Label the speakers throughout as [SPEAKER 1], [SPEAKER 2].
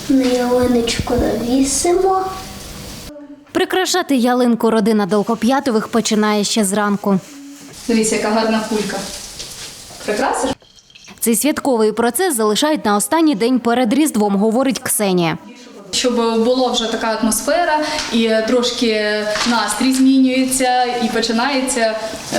[SPEAKER 1] На ялиночку навісимо.
[SPEAKER 2] Прикрашати ялинку родина Долгоп'ятових починає ще зранку.
[SPEAKER 3] Дивіться, яка гарна кулька. Прикрасиш?
[SPEAKER 2] Цей святковий процес залишають на останній день перед Різдвом, говорить Ксенія.
[SPEAKER 3] Щоб була вже така атмосфера і трошки настрій змінюється і починається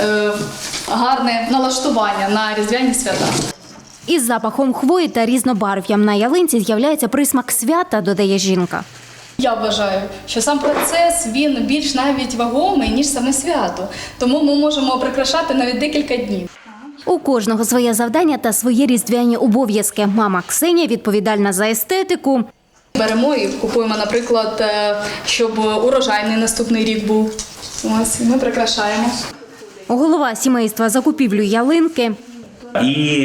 [SPEAKER 3] гарне налаштування на різдвяні свята.
[SPEAKER 2] Із запахом хвої та різнобарв'ям на ялинці з'являється присмак свята, додає жінка.
[SPEAKER 3] Я вважаю, що сам процес, він більш навіть вагомий, ніж саме свято. Тому ми можемо прикрашати навіть декілька днів.
[SPEAKER 2] У кожного своє завдання та свої різдвяні обов'язки. Мама Ксенія відповідальна за естетику.
[SPEAKER 3] Беремо і купуємо, наприклад, щоб урожайний наступний рік був. Ось, ми прикрашаємо.
[SPEAKER 2] Голова сімейства закупівлю ялинки.
[SPEAKER 4] І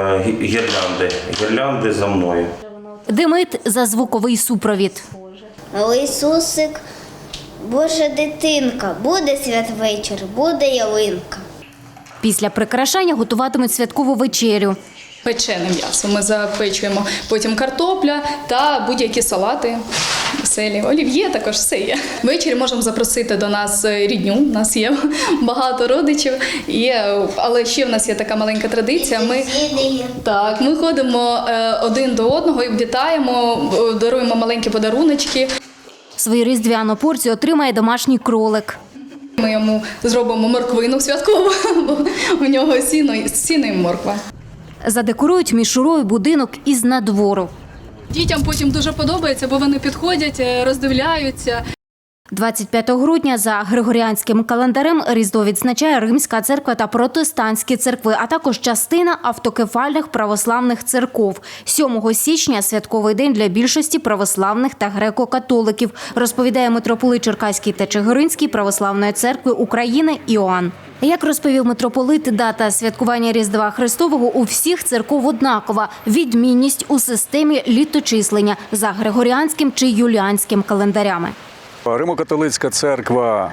[SPEAKER 4] гірлянди за мною.
[SPEAKER 2] Демид за звуковий супровід.
[SPEAKER 1] Але Ісусик, Божа дитинка, буде святвечір, буде ялинка.
[SPEAKER 2] Після прикрашання готуватимуть святкову вечерю.
[SPEAKER 3] Печене м'ясо ми запечуємо, потім картопля та будь-які салати, веселі, олів'є також все є. Ввечері можемо запросити до нас рідню, у нас є багато родичів, але ще в нас є така маленька традиція. Ми ходимо один до одного і вітаємо, даруємо маленькі подаруночки.
[SPEAKER 2] Свою різдвяну порцію отримає домашній кролик.
[SPEAKER 3] Ми йому зробимо морквину святкову, бо у нього сіно і морква.
[SPEAKER 2] Задекорують мішурою будинок із надвору.
[SPEAKER 3] Дітям потім дуже подобається, бо вони підходять, роздивляються.
[SPEAKER 2] 25 грудня за григоріанським календарем Різдво відзначає Римська церква та протестантські церкви, а також частина автокефальних православних церков. 7 січня – святковий день для більшості православних та греко-католиків, розповідає митрополит Черкаський та Чигиринський православної церкви України Іоанн. Як розповів митрополит, дата святкування Різдва Христового у всіх церков однакова – відмінність у системі літочислення за григоріанським чи юліанським календарями.
[SPEAKER 5] Римо-католицька церква,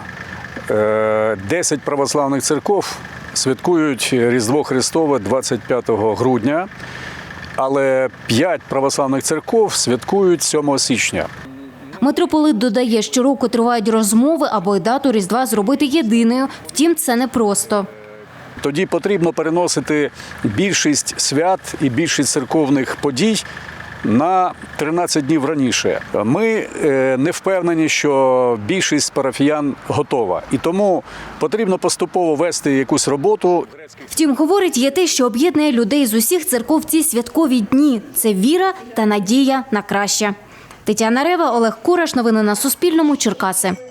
[SPEAKER 5] 10 православних церков святкують Різдво Христове 25 грудня, але 5 православних церков святкують 7 січня.
[SPEAKER 2] Митрополит додає, щороку тривають розмови, аби дату Різдва зробити єдиною. Втім, це непросто.
[SPEAKER 5] Тоді потрібно переносити більшість свят і більшість церковних подій на 13 днів раніше. Ми не впевнені, що більшість парафіян готова. І тому потрібно поступово вести якусь роботу.
[SPEAKER 2] Втім, говорить, є те, що об'єднує людей з усіх церков в ці святкові дні – це віра та надія на краще. Тетяна Рева, Олег Кураш. Новини на Суспільному. Черкаси.